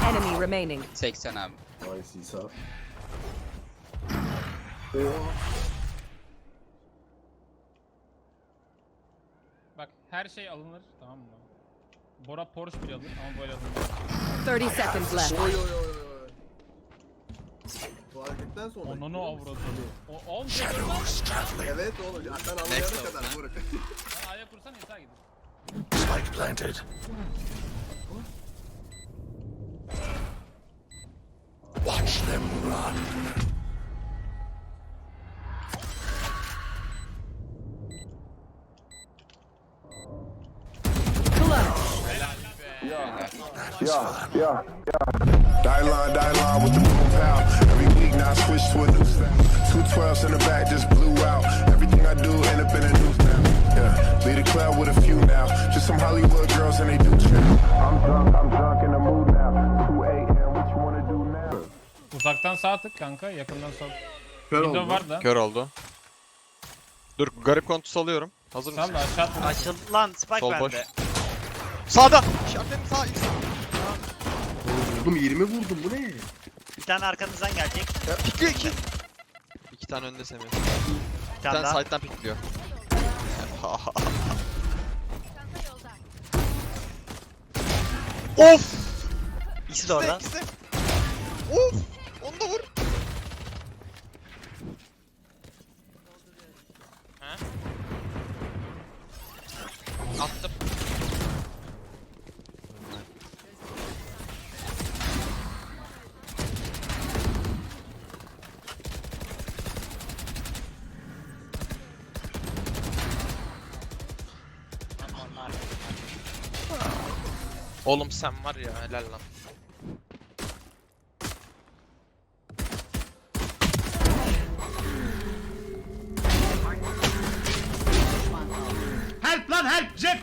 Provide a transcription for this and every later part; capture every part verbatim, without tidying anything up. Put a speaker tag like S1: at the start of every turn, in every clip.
S1: enemy remaining.
S2: seksen abi.
S3: Nice İsa.
S4: Bak her şey alınır, tamam mı? Bora Porsche bile alır ama böyle alınır.
S1: thirty seconds left.
S3: Oy oy oy oy. Bu hareketten sonra.
S4: Onunu avradı. O oğlum şey
S3: Evet oğlum. Ya sen anlayana kadar Burak.
S4: Sen A'ya kursan İsa gider.
S5: Spike planted. Watch them run.
S6: Yeah, yeah, yeah. Die line, die line with the boom pow. Every week now I switch to a new style. Two twelves in the back just blew out. Everything I do end up in a new style. Yeah, lead a club with a few now. Just some Hollywood girls and they do chill. I'm drunk, I'm drunk in the mood now. two a m what you wanna do now?
S4: Uzaktan sağ tık kanka, yakından sol.
S3: Kör
S4: Window
S3: oldu.
S4: var da.
S7: Kör oldu. Dur garip kontus alıyorum. Hazır
S4: Sal
S7: mısın?
S4: da aşağı atma.
S8: Açıldı lan Spike
S7: Sol boş.
S8: bende.
S7: Sağda! İşaretim sağ X.
S3: Vurdum yirmi vurdum bu ne?
S8: Bir tane arkanızdan gelecek.
S7: Ya, pikliyor iki. İki tane önde Semih.
S8: Bir
S7: Bir
S8: tane
S7: tane
S8: daha.
S7: side'dan pikliyor. Of!
S8: İkisi de orada.
S7: İkisi de. Of! Onu da vur.
S2: Attım.
S7: Oğlum sen var ya helal lan.
S5: Help lan help Jet.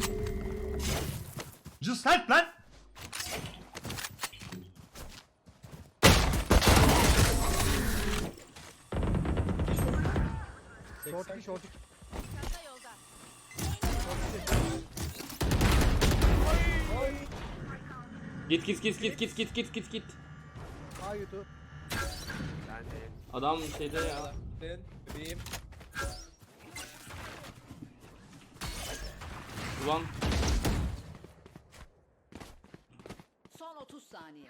S5: Just help lan.
S9: Git git git git git git git git git. Adam şeyde ya. Ulan
S1: Son otuz saniye.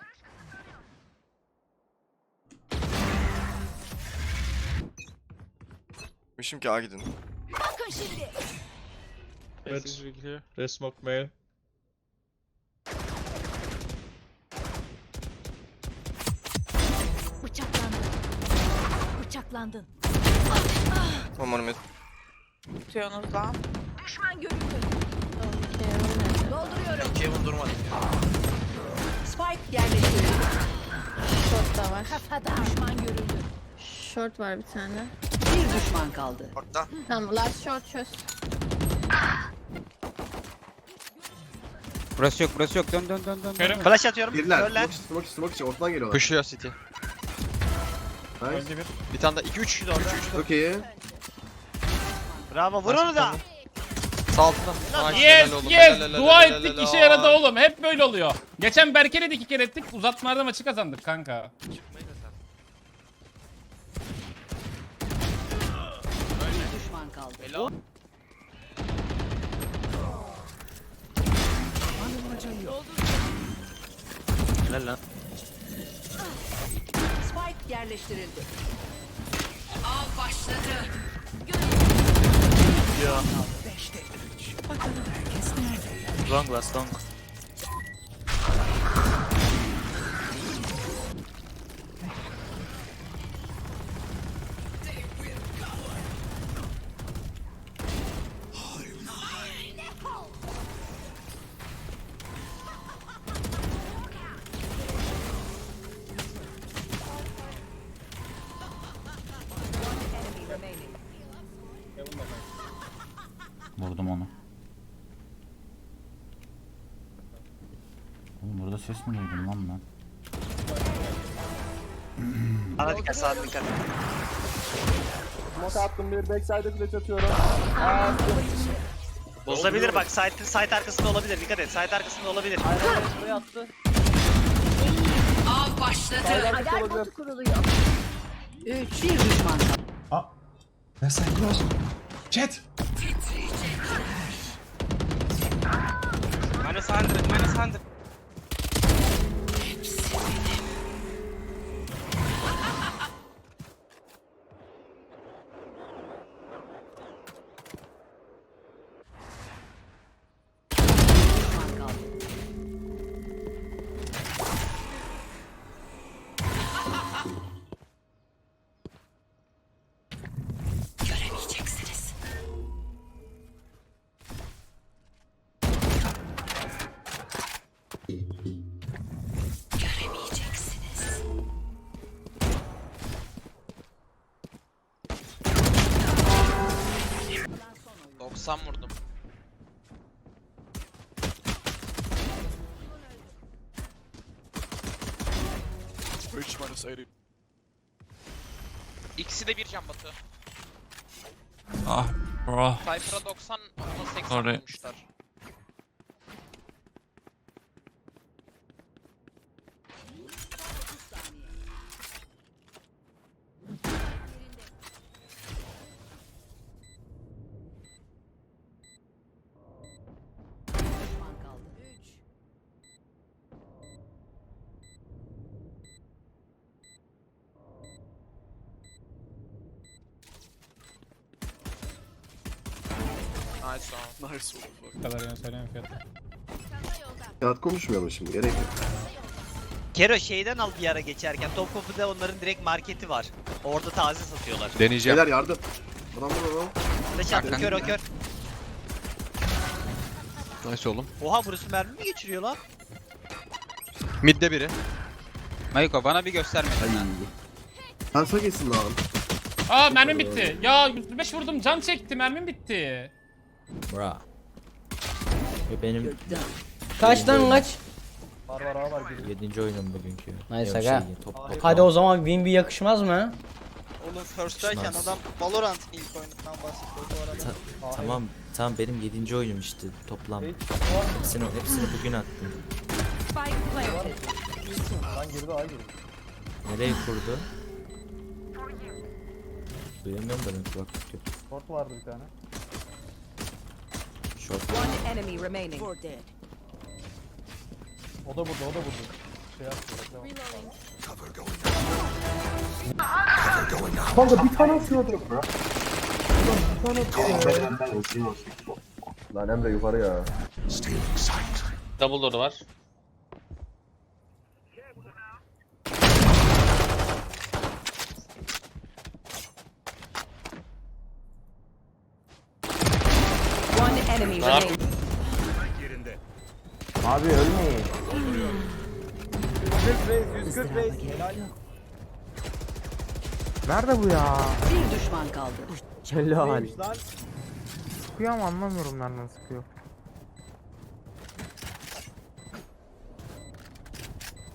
S7: Mişim ki A gidin.
S1: Bakın şimdi.
S7: Evet.
S10: They smoke mail.
S1: Bıçaklandın. Bıçaklandın.
S7: One more mid.
S11: Tutuyorsunuz lan.
S1: Düşman görüldü. Dolduruyorum.
S8: Kevin durmadı.
S1: Spike yerleştirildi.
S11: Short da var.
S1: Kafada. Düşman görüldü.
S11: Short var bir tane.
S1: Bir düşman kaldı.
S8: Orta.
S11: Tamam last short çöz.
S2: Burası yok, burası yok. Dön dön dön dön.
S4: Körüm.
S8: Flash atıyorum.
S3: Birler.
S8: Körler.
S3: Smoke içi smoke içi smoke içi ortadan geliyorlar.
S7: Koşuyor City.
S3: Nice.
S4: Öldü bir.
S7: Bir tane daha iki üç. üç üç.
S3: Çok iyi.
S8: Bravo vur onu da.
S7: Sağ altından. Nice,
S4: Yes
S7: helal oğlum,
S4: yes
S7: helal, helal,
S4: dua
S7: helal,
S4: ettik
S7: helal.
S4: işe yaradı oğlum, hep böyle oluyor. Geçen Berke'yle de iki kere ettik, uzatmalarda maçı kazandık kanka.
S1: Bir düşman kaldı.
S8: Helal lan.
S1: Spike yerleştirildi. Av başladı.
S8: Ya. Long last long.
S10: Vurdum onu. Oğlum burada ses mi duydum lan ben?
S8: Ana dikkat sağa dikkat.
S6: Smoke attım bir backside'e flash atıyorum.
S8: Bozulabilir bak site site arkasında olabilir dikkat et site arkasında olabilir.
S1: Av başladı. Alarm botu kuruluyor. Üç. Bir düşman kaldı.
S5: Aa. Ne sen close? Jet.
S2: Minus hundred, minus hundred.
S1: Düşman kaldı. Göremeyeceksiniz. Göremeyeceksiniz.
S2: doksan vurdum. İkisi de bir can batı.
S10: Ah bro.
S2: Cypher'a doksan, ona seksen
S10: Sorry.
S2: vurmuşlar.
S1: Düşman kaldı. Üç.
S2: Nice one.
S7: Nice oldu.
S4: Bu kadar yani söyleyeyim fiyatı.
S3: Kağıt konuşmayalım şimdi, gerek yok.
S8: Kero şeyden al bir ara geçerken. Topkapı'da onların direkt marketi var. Orada taze satıyorlar.
S7: Deneyeceğim.
S3: Beyler yardım. Adam burada lan.
S8: Flash attı kör o kör.
S7: Nice oğlum.
S8: Oha burası mermi mi geçiriyor lan?
S7: Mid'de biri.
S2: Mayko bana bir gösterme.
S3: Kansa geçsin lan.
S4: Aa mermim bitti. Ya yüz beş vurdum can çekti mermim bitti.
S10: Bra. Benim
S9: Kaç lan kaç?
S10: yedinci oyunum bugünkü.
S9: Nice aga. Hadi o zaman win bir yakışmaz mı?
S2: Oğlum first'tayken adam Valorant ilk oyunundan bahsediyor bu arada.
S10: Tamam tamam benim yedinci oyunum işte toplam. Hepsini, hepsini bugün attım.
S1: Spike planted.
S10: Nereye kurdu? Duyamıyorum da ben kulaklık yok.
S5: Short vardı bir tane.
S10: Short.
S1: One enemy remaining. Four dead.
S5: O da burada, o da burada. Şey yapıyor. Kanka bir tane atıyordum. Bir tane atıyordum. Lan Emre yukarı ya.
S9: Double door var.
S1: One enemy remaining.
S5: Abi ölmeyin. Nerede bu ya?
S1: Bir düşman kaldı.
S5: Helal. Sıkıyor ama anlamıyorum nereden sıkıyor.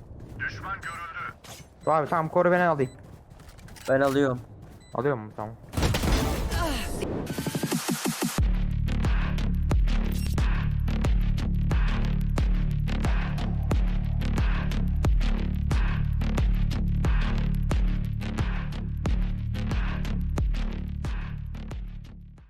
S5: Düşman görüldü. Abi tamam koru, ben alayım.
S9: Ben alıyorum.
S5: Alıyor mu? Tamam.